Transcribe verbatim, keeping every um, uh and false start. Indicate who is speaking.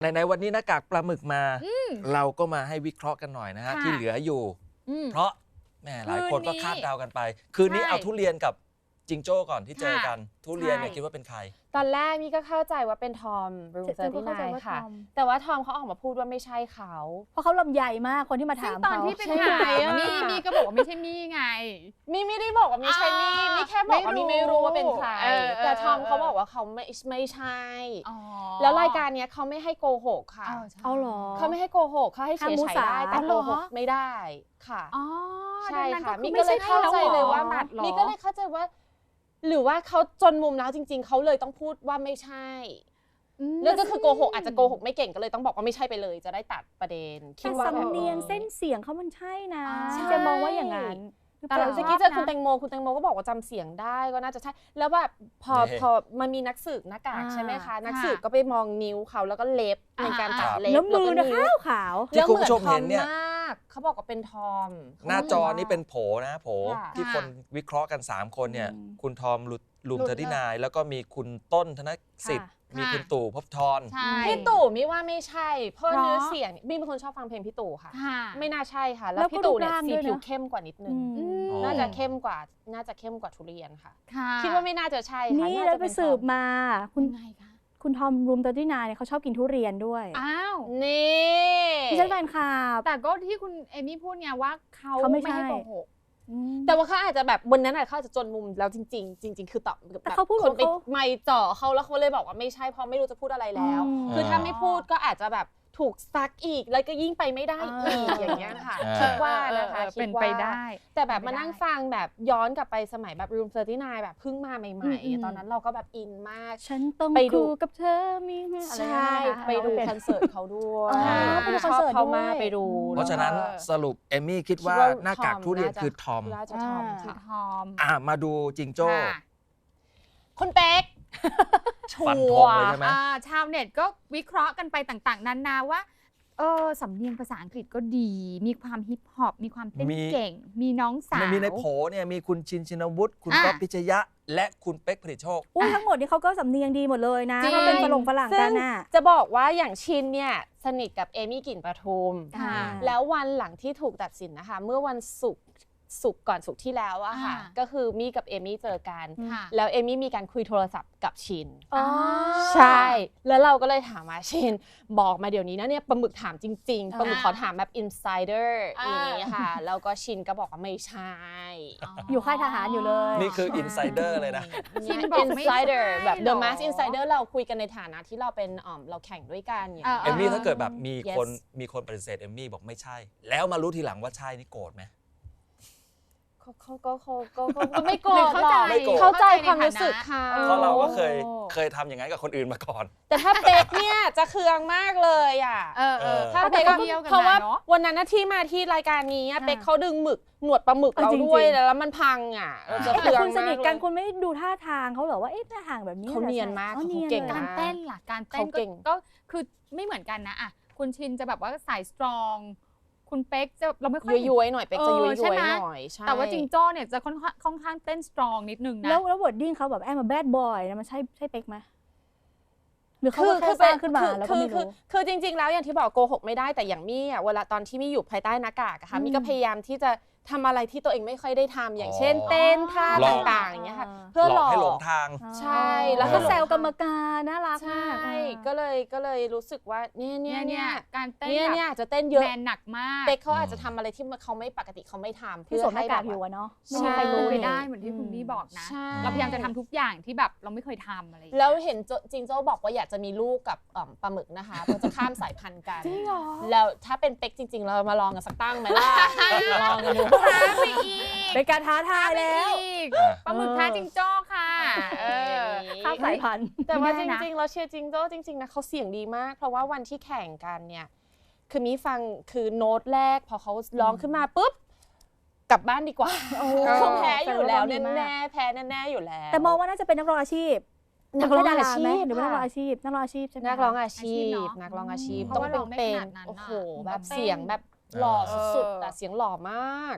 Speaker 1: ในวันนี้หน้ากากปลาหมึกมา เราก็มาให้วิเคราะห์กันหน่อยนะฮะที่เหลืออยู่เพราะแม่หลายคนก็คาดเดากันไปคืนนี้เอาทุเรียนกับจิงโจ้ก่อนที่เจอกันทุเรียนเนี่ยคิดว่าเป็นใคร
Speaker 2: ตอนแรกนี่ก็เข้าใจว่าเป็นทอมรูมเซอร์ที่นายค่ะแต่ว่าทอมเขาออกมาพูดว่าไม่ใช่เขา
Speaker 3: เพราะเขาลำใหญ่มากคนที่มาถามเขา
Speaker 4: ตอนที่เป็นถ่ายมีมีก็บอกว่าไม่ใช่มีไง
Speaker 2: มีไม่ได้บอกว่าไม่ใช่มีมีแค่บอกว่ามีไม่รู้ว่าเป็นใครแต่ทอมเขาบอกว่าเขาไม่ไม่ใช่แล้วรายการนี้เขาไม่ให้โกหกค่ะ
Speaker 3: เอาหรอ
Speaker 2: เขาไม่ให้โกหกเขาให้เสียใจได้แต่โกหกไม่ได้ค่ะใช่ค่ะมีก็เลยเข้าใจเลยว่ามีก็เลยเข้าใจว่าหรือว่าเขาจนมุมแล้วจริงๆเขาเลยต้องพูดว่าไม่ใช่แล้วก็คือโกหกอาจจะโกหกไม่เก่งก็เลยต้องบอกว่าไม่ใช่ไปเลยจะได้ตัดประเด็น
Speaker 3: คิดว่าสำเนียงเส้นเสียงเขามันใช่นะจะมองว่าอย่างนั้น
Speaker 2: แต่หลังจากที่เจอคุณแตงโมคุณแตงโมก็บอกว่าจำเสียงได้ก็น่าจะใช่แล้วแบบพอพอมันมีนักสืบหน้ากากใช่ไหมคะนักสืบก็ไปมองนิ้วเขาแล้วก็เล็บในการตัดเล็บ
Speaker 3: แล้วมือนะขาวขาว
Speaker 1: ที่คุณผู้ชมเห็นเนี่ย
Speaker 2: เขาบอกว่าเป็นทอม
Speaker 1: หน้าจอนี้เป็นโผนะโผที่คนวิเคราะห์กันสามคนเนี่ยคุณทอมลุมเทอร์ที่นายแล้วก็มีคุณต้นธนสิทธิ์มีคุณตู่ภพธร
Speaker 2: พี่ตู่มิว่าไม่ใช่เพราะเนื้อเสียงบี้เป็นคนชอบฟังเพลงพี่ตู่ค่ะไม่น่าใช่ค่ะแล้วพี่ตู่เนี่ยสีผิวเข้มกว่านิดนึงน่าจะเข้มกว่าน่าจะเข้มกว่าทุเรียนค่ะคิดว่าไม่น่าจะใช่ค่ะ
Speaker 3: นี่เราไปสืบมาคุณคุณทอมรูมเตอร์ที่นายเนี่ยเขาชอบกินทุเรียนด้วย
Speaker 4: อ้าว
Speaker 2: นี่
Speaker 3: ดิฉันแฟนคลับ
Speaker 4: แต่ก็ที่คุณเอมี่พูดไงว่าเขาไม่ให้โกหก
Speaker 2: แต่ว่าเขาอาจจะแบบบนนั้นเขาอาจจะจนมุมแล้วจริงๆจริงๆคือตอบ
Speaker 3: แต่เขาพูด
Speaker 2: คนไปไม่จ่อเขาแล้วเขาเลยบอกว่าไม่ใช่เพราะไม่รู้จะพูดอะไรแล้วคือถ้าไม่พูดก็อาจจะแบบถูกซักอีกแล้วก็ยิ่งไปไม่ได้อีกอย่างเงี้ยค่ะคิดว่านะคะ
Speaker 4: เป็นไปได้
Speaker 2: แต่แบบมานั่งฟังแบบย้อนกลับไปสมัยแบบรูมเซอร์ที่นายแบบเพิ่งมาใหม่ๆตอนนั้นเราก็แบบอินมาก
Speaker 3: ฉันต้องไปดูกับเธอมี
Speaker 2: ใช่ไปดูคอนเสิร์ตเขาด้วยชอบเขามาไปดู
Speaker 1: เพราะฉะนั้นสรุปเอมี่คิดว่าหน้ากากทุเรียนคือทอม
Speaker 4: คือทอม
Speaker 1: อ่ะมาดูจิงโจ้
Speaker 2: คุณเป๊ก
Speaker 1: ฟันธงเลยใช่ไหม
Speaker 4: ชาวเน็ตก็วิเคราะห์กันไปต่างๆนานาว่าเออสำเนียงภาษาอังกฤษก็ดีมีความฮิปฮอปมีความเต้นเก่งมีน้องสาว
Speaker 1: มีในโผเนี่ยมีคุณชินชินวุฒิคุณก๊อฟพิชยะและคุณเป๊กผลิตโชค
Speaker 3: อุ้ยทั้งหมดนี่เขาก็สำเนียงดีหมดเลยนะถ้าเป็นฝรั่งฝรั่งกันน่ะ
Speaker 2: จะบอกว่าอย่างชินเนี่ยสนิทกับเอมี่กลิ่นประทุมแล้ววันหลังที่ถูกตัดสินนะคะเมื่อวันศุกร์สุกก่อนสุกที่แล้วอะค่ะก็คือมี่กับเอมี่เจอกันแล้วเอมี่มีการคุยโทรศัพท์กับชินใช่แล้วเราก็เลยถามว่าชินบอกมาเดี๋ยวนี้นะเนี่ยปลาหมึกถามจริงๆปลาหมึกขอถามแบบอินไซเดอร์อย่างนี้ค่ะแล้วก็ชินก็บอกว่าไม่ใช่
Speaker 3: อยู่ค่ายทหารอยู่เลย
Speaker 1: นี่คืออินไซเดอร์เลยนะ
Speaker 2: ชินบอกอินไซเดอร์แบบ The Mask Insider เราคุยกันในฐานะที่เราเป็นอ๋อเราแข่งด้วยกันอย่าง
Speaker 1: เอมี่ถ้าเกิดแบบมีคนมีคนปฏิเสธเอมี่บอกไม่ใช่แล้วมารู้ทีหลังว่าใช่นี่โกรธไหม
Speaker 2: เขาเขาก็เขาก็ก็ไม่โกรธหรอกเข้าใจความรู้สึกเขา
Speaker 1: เพราะเราก็เคยเคยทำอย่างนั้นกับคนอื่นมาก่อน
Speaker 2: แต่ถ้าเป๊กเนี่ยจะเคืองมากเลยอ่ะถ้าเป๊กเพราะว่าวันนั้นที่มาที่รายการนี้เป๊กเขาดึงหมึกหนวดปลาหมึกเราด้วยแล้วมันพังอ่ะเราจะเคืองมาก
Speaker 3: คุณสนิทกันคุณไม่ดูท่าทางเขาหรอว่าเอ๊ะท่าทางแบบนี้
Speaker 2: เขาเนียนมากเขาเก่ง
Speaker 4: การเต้นล่ะการเต้นก็คือไม่เหมือนกันนะอ่ะคุณชินจะแบบว่าสายสตรองคุณเป๊กจะเราไม่ค่อย
Speaker 2: ย้วยๆหน่อยเป๊กจะย้วยๆหน่อย
Speaker 4: ใช่แต่ว่าจิงโจ้เนี่ยจะค่อนข้างค่อนข้างเต้นสตรองนิดนึงนะ
Speaker 3: แล้วแล้ววอร์ดดิ้งเขาแบบแอมมาแบดบอยนะมันใช่ใช่เป๊กไหมหรือเขาแค่สร้างขึ้นมาแล้วก็ไม่รู้
Speaker 2: คือจริงๆแล้วอย่างที่บอกโกหกไม่ได้แต่อย่างมี่อ่ะเวลาตอนที่มี่อยู่ภายใต้หน้ากากอะค่ะมี่ก็พยายามที่จะทำอะไรที่ตัวเองไม่ค่อยได้ทำอย่างเช่นเต้นท่าต่างๆอย่างเงี้ยค่ะ
Speaker 1: เพื่อหลอกให้หลงทาง
Speaker 2: ใช่
Speaker 3: แล้วก็แซวกรรมการน่ารัก
Speaker 2: มากใช่ก็เลยก็เลยรู้สึกว่าเนี่ยเนี่ยเนี่ย
Speaker 4: การเต้น
Speaker 2: เนี่ยเนี่ยจะเต้นเยอะ
Speaker 4: แมนหนักมาก
Speaker 2: เป๊กเขาอาจจะทำอะไรที่เขาไม่ปกติเขาไม่ทำ
Speaker 3: เพื่อให้แบบอยู่เนาะ
Speaker 4: ไม่มีใครรู้ไปได้เหมือนที่คุณบี้บอกนะเราพยายามจะทำทุกอย่างที่แบบเราไม่เคยทำอะไร
Speaker 2: แล้วเห็นจิงโจ้บอกว่าอยากจะมีลูกกับปลาหมึกนะคะเพื่อจะข้ามสายพันธุ์กัน
Speaker 3: จริงเหรอ
Speaker 2: แล้วถ้าเป็นเป๊กจริงๆเรามาลองกันสักตั้งไหมล่ะลองกันดู
Speaker 4: ไปอีก
Speaker 3: เป็นการท้าทายแล้ว
Speaker 4: ปลาหมึกท้าจิงโจ้ค่ะ
Speaker 3: ข้ามสายพันธุ์
Speaker 2: แต่ว่าจริงๆเราเชียร์จิงโจ้จริงๆนะเขาเสียงดีมากเพราะว่าวันที่แข่งกันเนี่ยคือมีฟังคือโน้ตแรกพอเขาร้องขึ้นมาปุ๊บกลับบ้านดีกว่าเขาแพ้อยู่แล้วแน่ๆแพ้แน่ๆอยู่แล้ว
Speaker 3: แต่มองว่าน่าจะเป็นนักร้องอาชีพนักร้องอาชีพหรือว่านักร้องอาชีพนักร้องอาชีพใช่ไหม
Speaker 2: นักร้องอาชีพนักร้องอาชีพต้องเป็นเป็นโอ้โหแบบเสียงแบบหล่อสุดๆแต่เสียงหล่อมาก